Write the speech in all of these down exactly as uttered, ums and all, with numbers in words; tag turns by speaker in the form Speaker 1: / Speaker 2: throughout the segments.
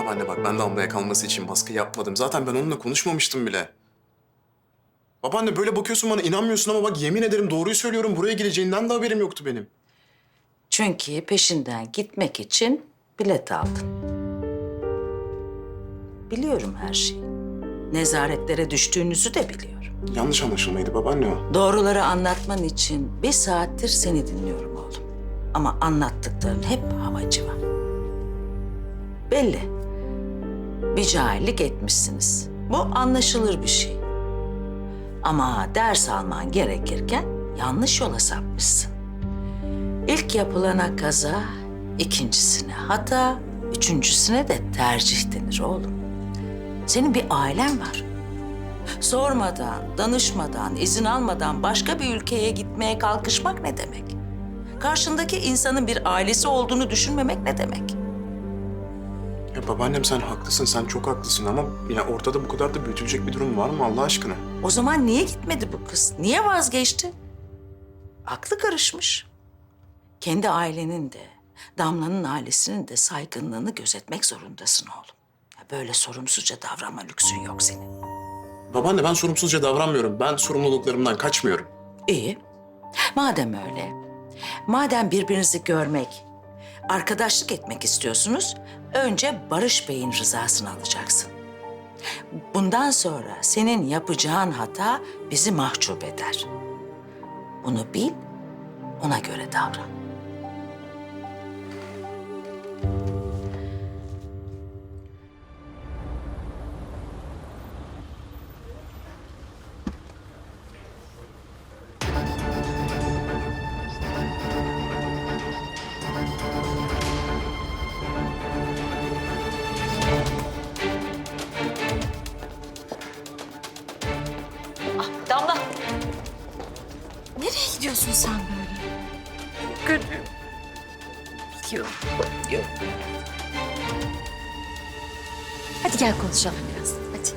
Speaker 1: Babaanne bak ben Damla'ya kalması için baskı yapmadım. Zaten ben onunla konuşmamıştım bile. Babaanne böyle bakıyorsun bana inanmıyorsun ama bak yemin ederim doğruyu söylüyorum. Buraya geleceğinden de haberim yoktu benim.
Speaker 2: Çünkü peşinden gitmek için bilet aldın. Biliyorum her şeyi. Nezaretlere düştüğünüzü de biliyorum.
Speaker 1: Yanlış anlaşılmaydı babaanne o.
Speaker 2: Doğruları anlatman için bir saattir seni dinliyorum oğlum. Ama anlattıkların hep havacıva. Belli. Bir cahillik etmişsiniz. Bu anlaşılır bir şey. Ama ders alman gerekirken yanlış yola sapmışsın. İlk yapılana kaza, ikincisine hata, üçüncüsüne de tercih denir oğlum. Senin bir ailen var. Sormadan, danışmadan, izin almadan başka bir ülkeye gitmeye kalkışmak ne demek? Karşındaki insanın bir ailesi olduğunu düşünmemek ne demek?
Speaker 1: Ya babaannem sen haklısın, sen çok haklısın ama ya ortada bu kadar da büyütülecek bir durum var mı Allah aşkına?
Speaker 2: O zaman niye gitmedi bu kız? Niye vazgeçti? Aklı karışmış. Kendi ailenin de, Damla'nın ailesinin de saygınlığını gözetmek zorundasın oğlum. Ya böyle sorumsuzca davranma lüksün yok senin.
Speaker 1: Babaanne ben sorumsuzca davranmıyorum. Ben sorumluluklarımdan kaçmıyorum.
Speaker 2: İyi. Madem öyle, madem birbirinizi görmek, arkadaşlık etmek istiyorsunuz, önce Barış Bey'in rızasını alacaksın. Bundan sonra senin yapacağın hata bizi mahcup eder. Bunu bil, ona göre davran.
Speaker 3: Damla. Nereye gidiyorsun sen böyle? Kötü. Biliyorum.
Speaker 2: Yok.
Speaker 3: Hadi gel konuşalım biraz. Hadi.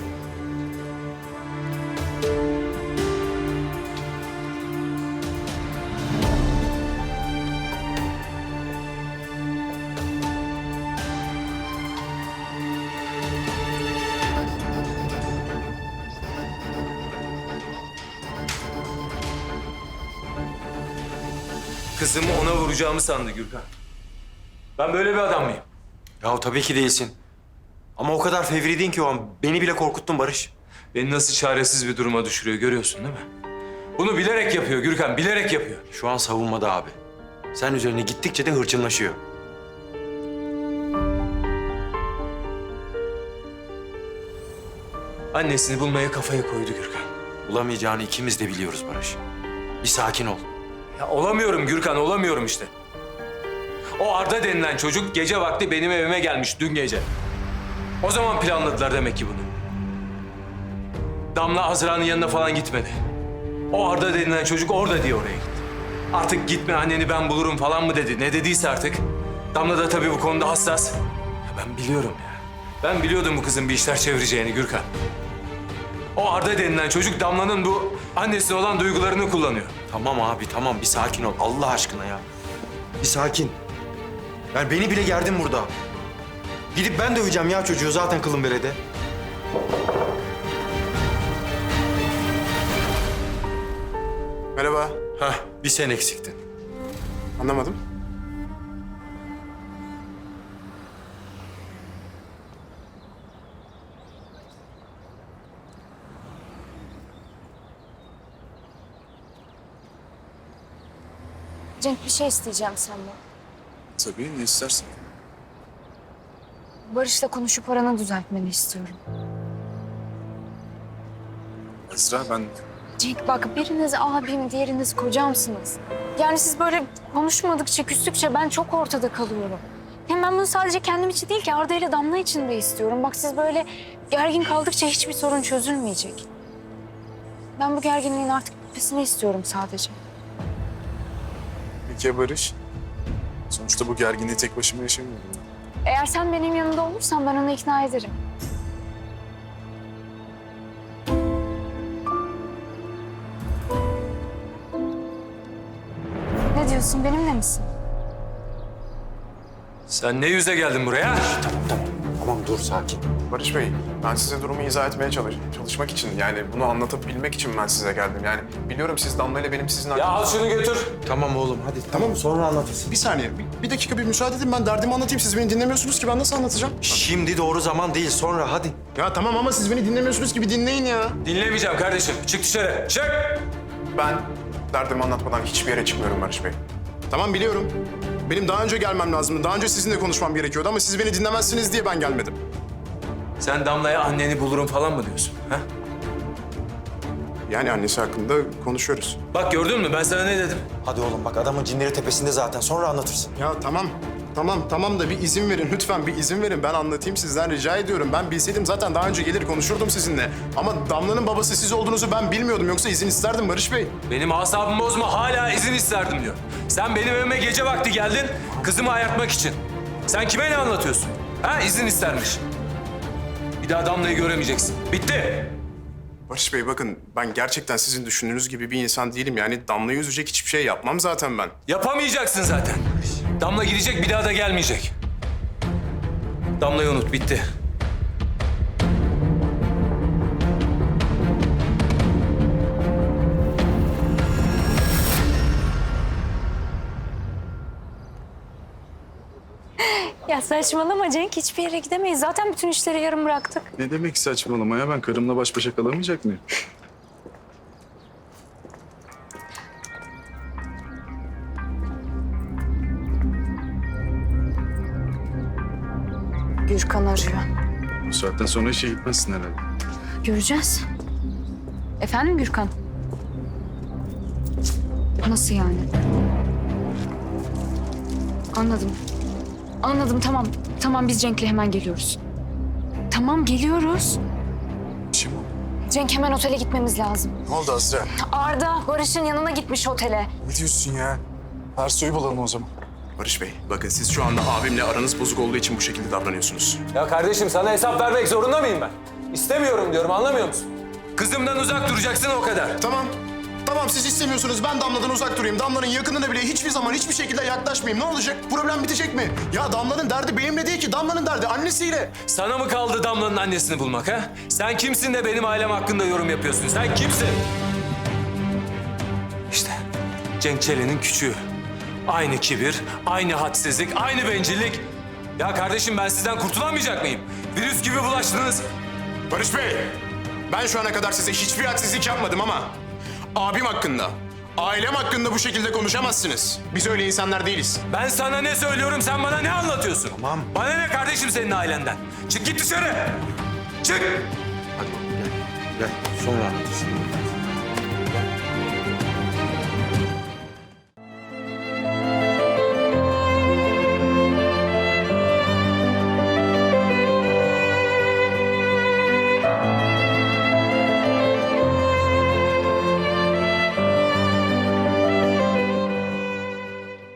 Speaker 4: Kızımı ona vuracağımı sandı Gürkan. Ben böyle bir adam mıyım?
Speaker 5: Ya tabii ki değilsin. Ama o kadar fevriydin ki o an. Beni bile korkuttun Barış.
Speaker 4: Beni nasıl çaresiz bir duruma düşürüyor görüyorsun değil mi? Bunu bilerek yapıyor Gürkan, bilerek yapıyor.
Speaker 5: Şu an savunmada abi. Sen üzerine gittikçe de hırçınlaşıyor.
Speaker 4: Annesini bulmaya kafaya koydu Gürkan.
Speaker 5: Bulamayacağını ikimiz de biliyoruz Barış. Bir sakin ol.
Speaker 4: Ya olamıyorum Gürkan, olamıyorum işte. O Arda denilen çocuk gece vakti benim evime gelmiş dün gece. O zaman planladılar demek ki bunu. Damla Azra'nın yanına falan gitmedi. O Arda denilen çocuk orada diye oraya gitti. Artık gitme anneni ben bulurum falan mı dedi. Ne dediyse artık. Damla da tabii bu konuda hassas. Ya ben biliyorum ya. Ben biliyordum bu kızın bir işler çevireceğini Gürkan. O Arda denilen çocuk Damla'nın bu annesine olan duygularını kullanıyor.
Speaker 5: Tamam abi tamam bir sakin ol Allah aşkına ya. Bir sakin. Yani beni bile gerdin burada. Gidip ben döveceğim ya çocuğu zaten kılın berede.
Speaker 1: Merhaba.
Speaker 5: Heh bir sen eksiktin.
Speaker 1: Anlamadım.
Speaker 6: Cenk bir şey isteyeceğim senden.
Speaker 1: Tabii ne istersen.
Speaker 6: Barış'la konuşup aranı düzeltmeni istiyorum.
Speaker 1: Esra ben...
Speaker 6: Cenk bak biriniz abim, diğeriniz kocamsınız. Yani siz böyle konuşmadıkça, küstükçe ben çok ortada kalıyorum. Hem ben bunu sadece kendim için değil ki Arda ile Damla için de istiyorum. Bak siz böyle gergin kaldıkça hiçbir sorun çözülmeyecek. Ben bu gerginliğin artık bitmesini istiyorum sadece.
Speaker 7: Peki ya Barış? Sonuçta bu gerginliği tek başıma yaşamıyorum.
Speaker 6: Eğer sen benim yanımda olursan ben onu ikna ederim. Ne diyorsun, benimle misin?
Speaker 4: Sen ne yüze geldin buraya?
Speaker 5: Tamam tamam. dur sakin.
Speaker 1: Barış Bey, ben size durumu izah etmeye çalış çalışmak için, yani bunu anlatabilmek için ben size geldim. Yani biliyorum siz Damla ile benim sizin...
Speaker 4: Ya al şunu götür.
Speaker 5: Tamam oğlum hadi tamam sonra anlatırsın.
Speaker 1: Bir saniye, bir, bir dakika bir müsaade edin. Ben derdimi anlatayım. Siz beni dinlemiyorsunuz ki ben nasıl anlatacağım?
Speaker 5: Şimdi doğru zaman değil sonra hadi.
Speaker 1: Ya tamam ama siz beni dinlemiyorsunuz ki bir dinleyin ya.
Speaker 4: Dinlemeyeceğim kardeşim. Çık dışarı. Çık.
Speaker 1: Ben derdimi anlatmadan hiçbir yere çıkmıyorum Barış Bey. Tamam biliyorum. Benim daha önce gelmem lazımdı. Daha önce sizinle konuşmam gerekiyordu ama siz beni dinlemezsiniz diye ben gelmedim.
Speaker 4: Sen Damla'ya anneni bulurum falan mı diyorsun? Ha?
Speaker 1: Yani annesi hakkında konuşuyoruz.
Speaker 4: Bak gördün mü ben sana ne dedim?
Speaker 5: Hadi oğlum bak adamın cinleri tepesinde zaten sonra anlatırsın.
Speaker 1: Ya tamam. Tamam tamam da bir izin verin lütfen bir izin verin. Ben anlatayım sizden rica ediyorum. Ben bilseydim zaten daha önce gelir konuşurdum sizinle. Ama Damla'nın babası siz olduğunuzu ben bilmiyordum. Yoksa izin isterdim Barış Bey.
Speaker 4: Benim asabımı bozma hala izin isterdim diyor. Sen benim evime gece vakti geldin kızımı ayartmak için. Sen kime ne anlatıyorsun? Ha izin istermiş. Bir daha Damla'yı göremeyeceksin. Bitti.
Speaker 1: Barış Bey bakın ben gerçekten sizin düşündüğünüz gibi bir insan değilim. Yani Damla'yı üzecek hiçbir şey yapmam zaten ben.
Speaker 4: Yapamayacaksın zaten. Damla gidecek bir daha da gelmeyecek. Damla'yı unut bitti.
Speaker 6: Ya saçmalama Cenk, hiçbir yere gidemeyiz. Zaten bütün işleri yarım bıraktık.
Speaker 7: Ne demek saçmalama ya? Ben karımla baş başa kalamayacak mıyım?
Speaker 6: Gürkan arıyor.
Speaker 7: Bu saatten sonra işe gitmezsin herhalde.
Speaker 6: Göreceğiz. Efendim Gürkan? Nasıl yani? Anladım. Anladım, tamam. Tamam, biz Cenk'le hemen geliyoruz. Tamam, geliyoruz.
Speaker 7: İşim o.
Speaker 6: Cenk, hemen otele gitmemiz lazım.
Speaker 1: Ne oldu Azra?
Speaker 6: Arda, Barış'ın yanına gitmiş otele.
Speaker 7: Ne diyorsun ya? Ersoy'u bulalım o zaman.
Speaker 1: Barış Bey bakın siz şu anda abimle aranız bozuk olduğu için bu şekilde davranıyorsunuz.
Speaker 4: Ya kardeşim sana hesap vermek zorunda mıyım ben? İstemiyorum diyorum anlamıyor musun? Kızımdan uzak duracaksın o kadar.
Speaker 1: Tamam. Tamam siz istemiyorsunuz. Ben Damla'dan uzak durayım. Damla'nın yakınına bile hiçbir zaman hiçbir şekilde yaklaşmayayım. Ne olacak? Problem bitecek mi? Ya Damla'nın derdi benimle değil ki. Damla'nın derdi annesiyle.
Speaker 4: Sana mı kaldı Damla'nın annesini bulmak ha? Sen kimsin de benim ailem hakkında yorum yapıyorsun? Sen kimsin? İşte Cenk Çelen'in küçüğü. Aynı kibir, aynı hadsizlik, aynı bencillik. Ya kardeşim ben sizden kurtulamayacak mıyım? Virüs gibi bulaştınız.
Speaker 1: Barış Bey, ben şu ana kadar size hiçbir haksızlık yapmadım ama abim hakkında, ailem hakkında bu şekilde konuşamazsınız. Biz öyle insanlar değiliz.
Speaker 4: Ben sana ne söylüyorum, sen bana ne anlatıyorsun?
Speaker 5: Tamam.
Speaker 4: Bana ne kardeşim senin ailenden? Çık git dışarı. Çık.
Speaker 5: Hadi oğlum gel. Gel sonra anlatırsın.